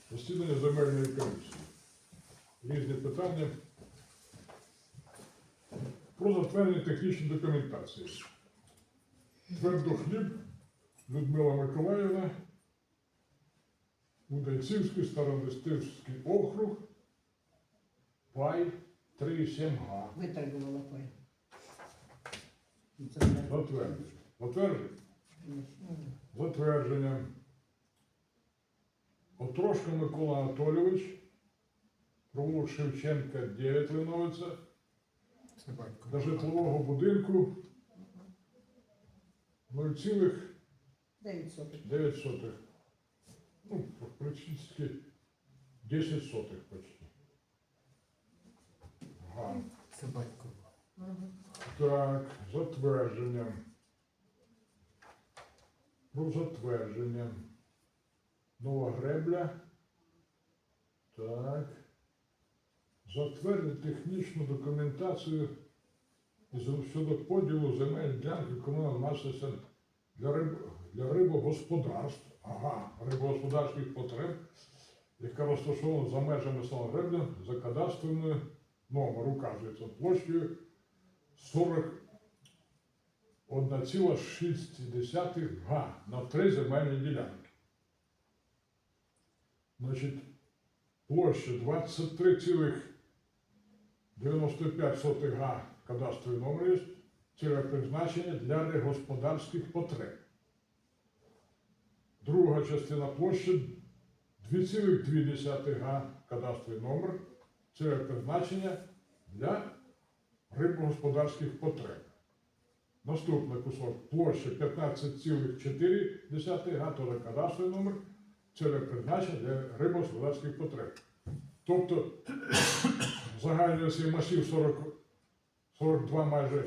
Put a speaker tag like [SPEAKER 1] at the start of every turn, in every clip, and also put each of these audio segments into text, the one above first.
[SPEAKER 1] Засідання земельної комісії. Різні питання про затвердження технічної документації. Твердохліб Людмила Миколаївна, Удайцівський, Стародестівський округ, пай 3,7 га.
[SPEAKER 2] Виторгувала пай.
[SPEAKER 1] Затвердження. Затвердження. Затвердження. Отрошко Микола Анатолійович, провулок Шевченка, 9 Линовиця, до житлового будинку 0,9. Ну, практично 10 сотих почти. Ага.
[SPEAKER 3] Це батько.
[SPEAKER 1] Так, затвердження. Про затвердження. Нова гребля. Так. Затвердити технічну документацію щодо поділу земель ділянки комунальної власності для рибогосподарств. Ага, рибогосподарських потреб, яка розташована за межами села Гребля за кадастровим номер, указується площею 41,6 га на 3 земельні ділянки. Значить, площа 23,95 га кадастровий номер є, цільове призначення для рибогосподарських потреб. Друга частина площі 2,2 га кадастровий номер, цільове призначення для рибогосподарських потреб. Наступний кусок площа 15,4 га, теж кадастровий номер, цільове призначення для рибогосподарських потреб. Тобто загальний цей масив 42 майже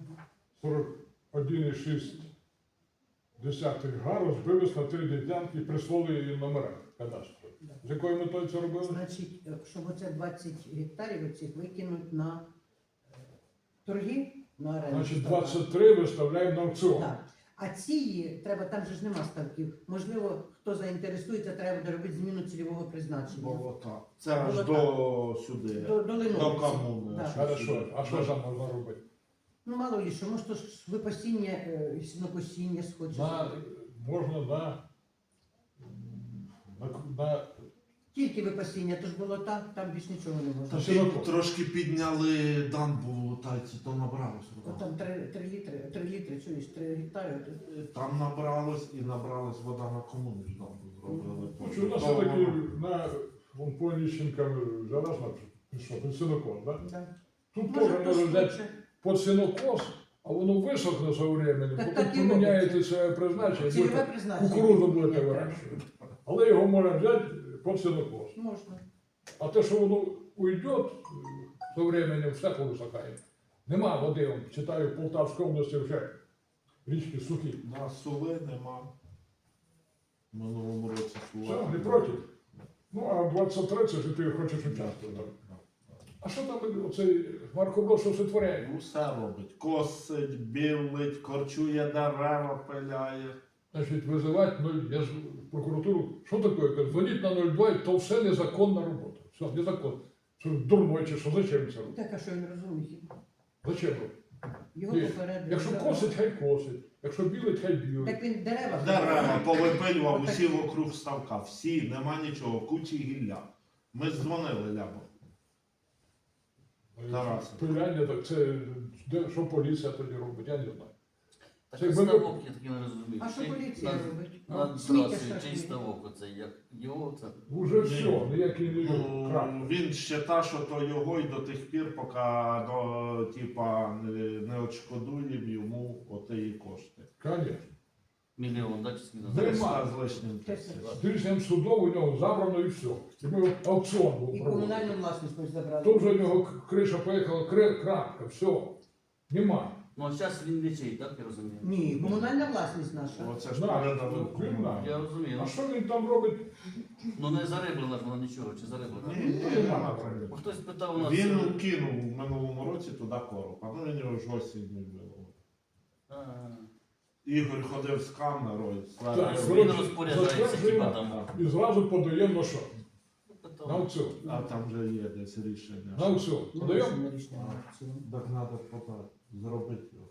[SPEAKER 1] 41,6 га розбились на 3 ділянки і присвоїли її номера кадастру. З якою метою це робили?
[SPEAKER 2] Значить, щоб оце 20 гектарів оцих викинуть на торги, на оренду.
[SPEAKER 1] Значить, 23 виставляємо на аукціон.
[SPEAKER 2] Так. А ці, треба, там же ж нема ставків. Можливо, хто заінтересується, треба буде робити зміну цільового призначення.
[SPEAKER 4] Болота. Це аж
[SPEAKER 2] Болота.
[SPEAKER 4] до сюди.
[SPEAKER 2] До Линовиці.
[SPEAKER 4] До комуни.
[SPEAKER 2] Да.
[SPEAKER 1] Хорошо. А що там можна робити?
[SPEAKER 2] Ну, мало ли що, може, то ж випасіння, сінокосіння схочеш.
[SPEAKER 1] Можна на
[SPEAKER 2] Тільки випасіння, то ж було так, там більш нічого не можна.
[SPEAKER 4] Та трошки підняли дамбу тайці, то набралось.
[SPEAKER 2] От там 3 літри, чуєш, 3 гектари.
[SPEAKER 4] Там набралось і набралась вода на комуні ж дамбу зробили.
[SPEAKER 1] Що у нас все-таки на Понищенка зараз що, під сінокос, так?
[SPEAKER 2] Да.
[SPEAKER 1] Тут
[SPEAKER 2] Може,
[SPEAKER 1] теж
[SPEAKER 2] хтось
[SPEAKER 1] може взяти
[SPEAKER 2] хоче.
[SPEAKER 1] під сінокос, а воно висохне со временем,
[SPEAKER 2] Так
[SPEAKER 1] потім
[SPEAKER 2] і
[SPEAKER 1] поміняєте
[SPEAKER 2] робиться.
[SPEAKER 1] це призначення,
[SPEAKER 2] Цільове
[SPEAKER 1] будете
[SPEAKER 2] призначення.
[SPEAKER 1] кукурудзу будете
[SPEAKER 2] Ні,
[SPEAKER 1] вирощувати. Але його можна взяти під сінокос.
[SPEAKER 2] Можна.
[SPEAKER 1] А те, що воно уйде, со временем все повисохає. Нема води, он, читаю, в Полтавській області вже річки сухі.
[SPEAKER 4] На сули нема. В минулому році
[SPEAKER 1] Все,
[SPEAKER 4] сула.
[SPEAKER 1] не проти. Ну, а 23 це ти хочеш участвувати. А що там оцей Марко що сотворяє?
[SPEAKER 4] Усе робить. Косить, білить, корчує дерева, пиляє.
[SPEAKER 1] Значить, визивати, я ж в прокуратуру, що таке? Кажу, дзвоніть на 02, то все незаконна робота. Все, незаконно. Що дурной чи що, зачем це робити?
[SPEAKER 2] Так, а що він розуміє?
[SPEAKER 1] Зачем робити?
[SPEAKER 2] Його
[SPEAKER 1] Ні.
[SPEAKER 2] попередили.
[SPEAKER 1] Якщо косить, хай косить. Якщо білить, хай білить.
[SPEAKER 2] Так він дерева.
[SPEAKER 4] Дерева повипилював усі вокруг ставка. Всі, нема нічого, кучі гілля. Ми дзвонили Лябо. Тарас.
[SPEAKER 1] Пиляння, так це, що поліція тоді робить, я не знаю.
[SPEAKER 5] Так
[SPEAKER 1] Це
[SPEAKER 5] а
[SPEAKER 1] якби-
[SPEAKER 5] ставок, я таки не розумію.
[SPEAKER 2] А що поліція робить?
[SPEAKER 5] Над
[SPEAKER 2] Сміття
[SPEAKER 5] трасою,
[SPEAKER 2] страшне.
[SPEAKER 5] чий ставок оцей, як його це?
[SPEAKER 1] Уже все, ніякий не крак.
[SPEAKER 4] Він вважає, що то його і до тих пір, поки типа, не відшкодує йому отеї кошти.
[SPEAKER 1] Конечно.
[SPEAKER 5] Мільйон, да, чи скільки?
[SPEAKER 1] Нема.
[SPEAKER 4] 300 з лишнім тисяч.
[SPEAKER 1] Рішенням судом у нього забрано і все. І ми аукціон був
[SPEAKER 2] І
[SPEAKER 1] проводити.
[SPEAKER 2] комунальну власність ми забрали.
[SPEAKER 1] То вже у нього криша поїхала, крапка, все. Нема.
[SPEAKER 5] Ну, а зараз він не чий, так я розумію?
[SPEAKER 2] Ні, комунальна власність наша.
[SPEAKER 4] Оце ж
[SPEAKER 1] Наш,
[SPEAKER 4] передали
[SPEAKER 1] він
[SPEAKER 4] кому.
[SPEAKER 1] наш.
[SPEAKER 5] Я розумію.
[SPEAKER 1] А що він там робить?
[SPEAKER 5] Ну не зариблена ж вона нічого, чи зариблена?
[SPEAKER 4] Ні, нема.
[SPEAKER 5] Бо хтось питав у нас.
[SPEAKER 4] Він кинув в минулому році туди короб, а ну він його ж осінню було.
[SPEAKER 5] А,
[SPEAKER 4] Ігор ходив з камерою,
[SPEAKER 1] Так,
[SPEAKER 5] Він розпоряджається,
[SPEAKER 1] затверджуємо
[SPEAKER 5] хіба там.
[SPEAKER 1] І зразу подаємо на що? На аукціон.
[SPEAKER 4] А там вже є десь рішення.
[SPEAKER 1] На аукціон.
[SPEAKER 2] Ну,
[SPEAKER 1] Подаємо?
[SPEAKER 2] рішення, рішення на аукціон.
[SPEAKER 4] Так треба подати, зробити його.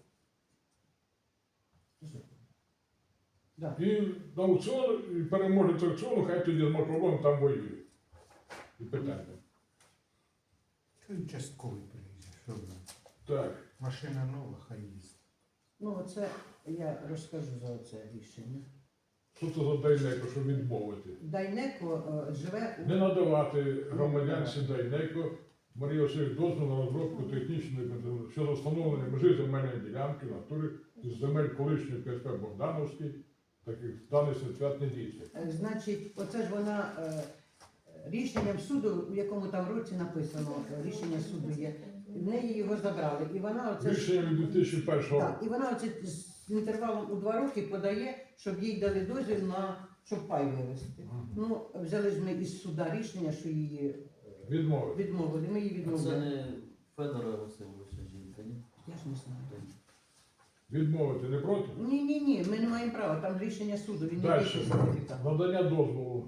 [SPEAKER 2] Да.
[SPEAKER 1] І на аукціон, і переможець аукціону, хай тоді з макролом там воює. І питання.
[SPEAKER 3] Це участковий приїзд. Що ви?
[SPEAKER 1] Так.
[SPEAKER 3] Машина нова, хай їздить.
[SPEAKER 2] Ну, оце я розкажу за це рішення.
[SPEAKER 1] Що це за Дайнеко, щоб відмовити?
[SPEAKER 2] Дайнеко живе
[SPEAKER 1] Не надавати громадянці Дайнеко Марії Васильович дозвіл на розробку технічної щодо встановлення межі земельної ділянки в натурі із земель колишньої КСП Богдановський, таких даний свят не дійсно.
[SPEAKER 2] Значить, оце ж вона рішенням суду, у якому там році написано, рішення суду є, в неї його забрали. І вона оце ж-
[SPEAKER 1] Рішення від 2001 року.
[SPEAKER 2] так, і вона оце з інтервалом у 2 роки подає, щоб їй дали дозвіл на щоб пай вивезти. Ну, взяли ж ми із суда рішення, що її
[SPEAKER 1] Відмовити.
[SPEAKER 2] відмовили. Ми її
[SPEAKER 5] Це
[SPEAKER 2] відмовили.
[SPEAKER 5] не Федора Васильовича жінка, ні?
[SPEAKER 2] Я ж не знаю.
[SPEAKER 1] Відмовити не проти?
[SPEAKER 2] Ні, ми не маємо права, там рішення суду, він не
[SPEAKER 1] Далі.
[SPEAKER 2] дійсно сертифікат.
[SPEAKER 1] Надання дозволу.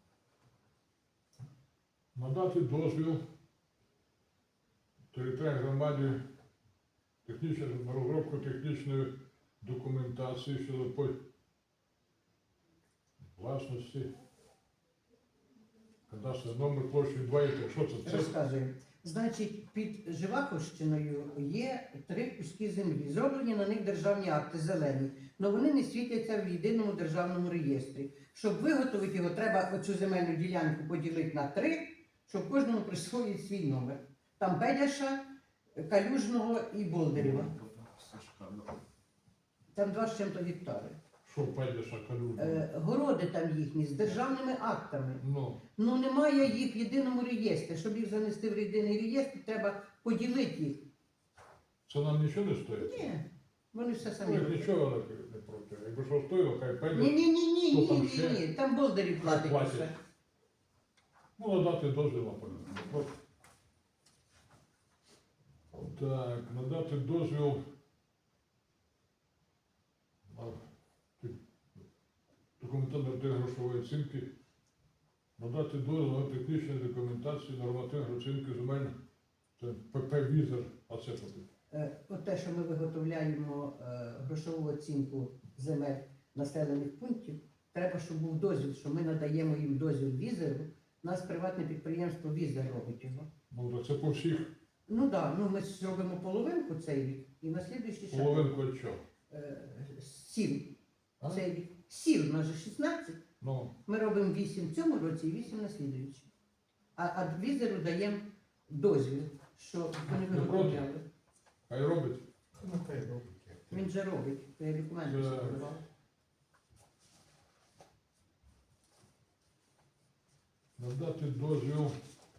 [SPEAKER 1] Надати дозвіл територіальній громаді на розробку технічної документації щодо власності. Кадастровий номер площі 2,3. Що це? Це
[SPEAKER 2] Розказую. Значить, під Живаховщиною є 3 куски землі. Зроблені на них державні акти зелені, але вони не світяться в єдиному державному реєстрі. Щоб виготовити його, треба оцю земельну ділянку поділити на 3, щоб кожному присвоїть свій номер. Там Бедяша, Калюжного і Болдерєва.
[SPEAKER 4] Сашка, да.
[SPEAKER 2] Там 2 з чим-то гектари.
[SPEAKER 1] що Педяша Калюжна?
[SPEAKER 2] Городи там їхні з державними актами.
[SPEAKER 1] Ну,
[SPEAKER 2] Ну немає їх в єдиному реєстрі. Щоб їх занести в єдиний реєстр, треба поділити їх.
[SPEAKER 1] це нам нічого не стоїть?
[SPEAKER 2] Ні, вони все
[SPEAKER 1] Ну,
[SPEAKER 2] самі
[SPEAKER 1] як
[SPEAKER 2] роблять.
[SPEAKER 1] нічого не проти. Якби що стоїло, хай
[SPEAKER 2] Ні,
[SPEAKER 1] Педя.
[SPEAKER 2] ні, ні, ні,
[SPEAKER 1] Хто
[SPEAKER 2] ні,
[SPEAKER 1] там
[SPEAKER 2] ні,
[SPEAKER 1] ще?
[SPEAKER 2] ні. Там болдарі платять
[SPEAKER 1] Платять.
[SPEAKER 2] все.
[SPEAKER 1] Ну, надати дозвіл на полюбу. Так, надати дозвіл на документально грошової оцінки. Надати дозвіл на технічну документацію нормативної оцінки земель. Це ПП Візер, а це потрібно.
[SPEAKER 2] От те, що ми виготовляємо грошову оцінку земель населених пунктів, треба, щоб був дозвіл, що ми надаємо їм дозвіл візеру. У нас приватне підприємство Візер робить його.
[SPEAKER 1] Ну, так це по всіх
[SPEAKER 2] Ну так, ну ми зробимо половинку цей рік і на слідуючий ще
[SPEAKER 1] половинку від чого.
[SPEAKER 2] 7
[SPEAKER 1] А?
[SPEAKER 2] цей рік. 7, у нас же 16.
[SPEAKER 1] Ну,
[SPEAKER 2] Ми робимо 8 в цьому році і 8 на слідуючий. А візеру даємо дозвіл, що вони
[SPEAKER 1] Не проти?
[SPEAKER 2] виготовляли.
[SPEAKER 1] хай робить.
[SPEAKER 3] Ну, хай робить.
[SPEAKER 2] Він же робить, я документи
[SPEAKER 1] Так.
[SPEAKER 2] подавав.
[SPEAKER 1] Надати дозвіл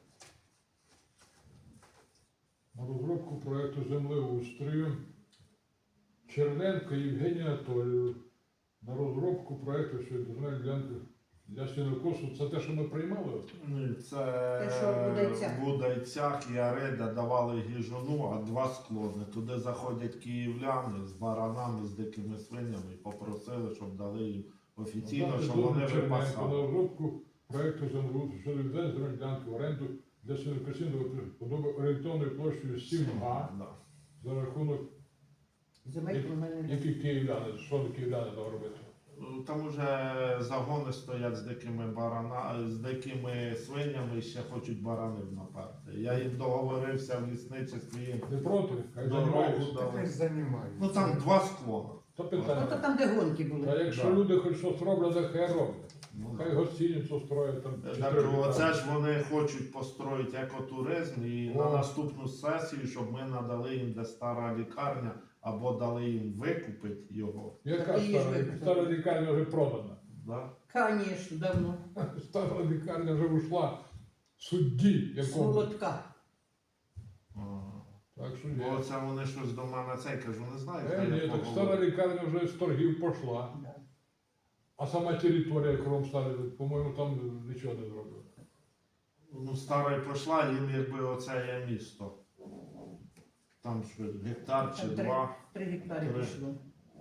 [SPEAKER 1] на розробку проєкту землеустрою Черненко Євгенія Анатолійовна на розробку проєкту щодо земельної ділянки для сінокосу. Це те, що ми приймали?
[SPEAKER 4] Ні, це
[SPEAKER 2] Те, що в Будайцях.
[SPEAKER 4] в Будайцях і Ареда давали гіжуну, а 2 склони. Туди заходять київляни з баранами, з дикими свинями і попросили, щоб дали їм офіційно,
[SPEAKER 1] Надати
[SPEAKER 4] щоб
[SPEAKER 1] дозвіл
[SPEAKER 4] вони
[SPEAKER 1] Черненко на
[SPEAKER 4] випасали.
[SPEAKER 1] розробку проєкту землеустрою щодо відведення земельної ділянки в оренду для сінокосінного подоби орієнтовною площею 7 га
[SPEAKER 4] Да.
[SPEAKER 1] за рахунок
[SPEAKER 2] Земель комунальної
[SPEAKER 1] які київляни, що київляни там робити?
[SPEAKER 4] Ну, там уже загони стоять з дикими з дикими свинями і ще хочуть баранів наперти. Я їм договорився в лісничестві їм
[SPEAKER 1] Не проти? Хай
[SPEAKER 4] дорогу
[SPEAKER 1] займаються.
[SPEAKER 3] Хай
[SPEAKER 4] дали.
[SPEAKER 3] займаються.
[SPEAKER 4] Ну там 2 склона.
[SPEAKER 1] То
[SPEAKER 2] Ото
[SPEAKER 1] питання.
[SPEAKER 2] там, де гонки
[SPEAKER 1] Та
[SPEAKER 2] були.
[SPEAKER 1] якщо
[SPEAKER 4] Да.
[SPEAKER 1] люди хоч щось роблять, хай роблять.
[SPEAKER 4] Ну,
[SPEAKER 1] Хай гостиницю строять там.
[SPEAKER 4] так,
[SPEAKER 1] 4
[SPEAKER 4] оце
[SPEAKER 1] літаки.
[SPEAKER 4] ж вони хочуть построїти екотуризм і
[SPEAKER 1] О.
[SPEAKER 4] на наступну сесію, щоб ми надали їм де стара лікарня або дали їм викупити його.
[SPEAKER 1] Яка
[SPEAKER 2] Так і є ж
[SPEAKER 1] стара?
[SPEAKER 2] випадок.
[SPEAKER 1] Стара лікарня вже продана.
[SPEAKER 4] Да?
[SPEAKER 2] Конечно, давно.
[SPEAKER 1] Стара лікарня вже ушла судді
[SPEAKER 2] З
[SPEAKER 1] якому.
[SPEAKER 2] молотка.
[SPEAKER 4] А.
[SPEAKER 1] Так що
[SPEAKER 4] Бо
[SPEAKER 1] є.
[SPEAKER 4] це вони щось до мене цей кажу, не знаю.
[SPEAKER 1] Ні, так
[SPEAKER 4] поговорю.
[SPEAKER 1] стара лікарня вже з торгів пішла.
[SPEAKER 2] Да.
[SPEAKER 1] А сама територія кром стали, по-моєму, там нічого не зробили.
[SPEAKER 4] Ну, стара пішла, їм якби оце є місто. Там що, гектар чи
[SPEAKER 2] Там
[SPEAKER 4] 2.
[SPEAKER 2] 3 гектари
[SPEAKER 4] Три.
[SPEAKER 2] пішло.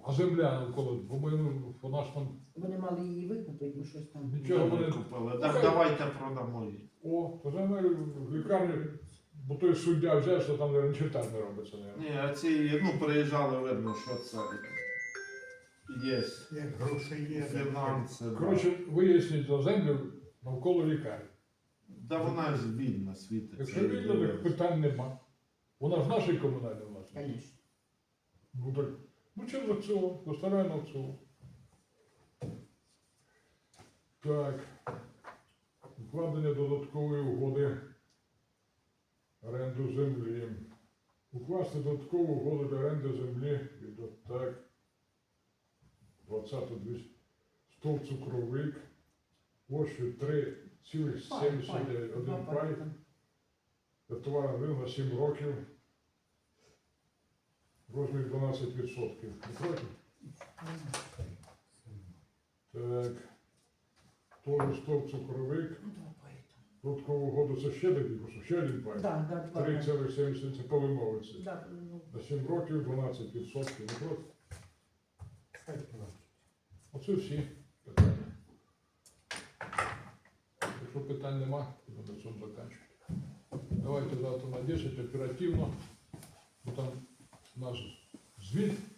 [SPEAKER 1] А земля навколо, по-моєму, вона ж там
[SPEAKER 2] Вони мали її викупити, ну щось там.
[SPEAKER 1] нічого
[SPEAKER 4] Ми
[SPEAKER 1] вони.
[SPEAKER 4] купили. Так давайте продамо її.
[SPEAKER 1] О, то земель в лікарні, бо той суддя взяв, що там не читати не робиться. Не.
[SPEAKER 4] Ні, а ці, ну, приїжджали, видно, що це є
[SPEAKER 3] Як гроші є.
[SPEAKER 4] фінанси. да.
[SPEAKER 1] Коротше, виясніть за землю навколо лікарні.
[SPEAKER 4] Да вона ж вільна світиться.
[SPEAKER 1] Якщо вільно, так питань нема. Вона ж нашій комунальній власності.
[SPEAKER 2] Звісно.
[SPEAKER 1] Ну так, ну через аукціон, поставляємо аукціон. Так. Укладення додаткової угоди оренду землі. Укласти додаткову угоду для оренди землі від так. 20-200 стовп цукровик. Площею 3,71 пай. Товарний ринок на 7 років. Розмір 12%. Не проти? Так. Тоже стовп цукровик. Додаткову угоду це ще такий, просто ще один пай.
[SPEAKER 2] Да,
[SPEAKER 1] 3,70 це по вимовиці.
[SPEAKER 2] Да, ну,
[SPEAKER 1] На 7 років 12%. Не проти?
[SPEAKER 3] Хай платять.
[SPEAKER 1] Оце всі питання. Якщо питань нема, то на цьому закінчуємо. Давайте завтра на 10 оперативно. Бо там наш звіт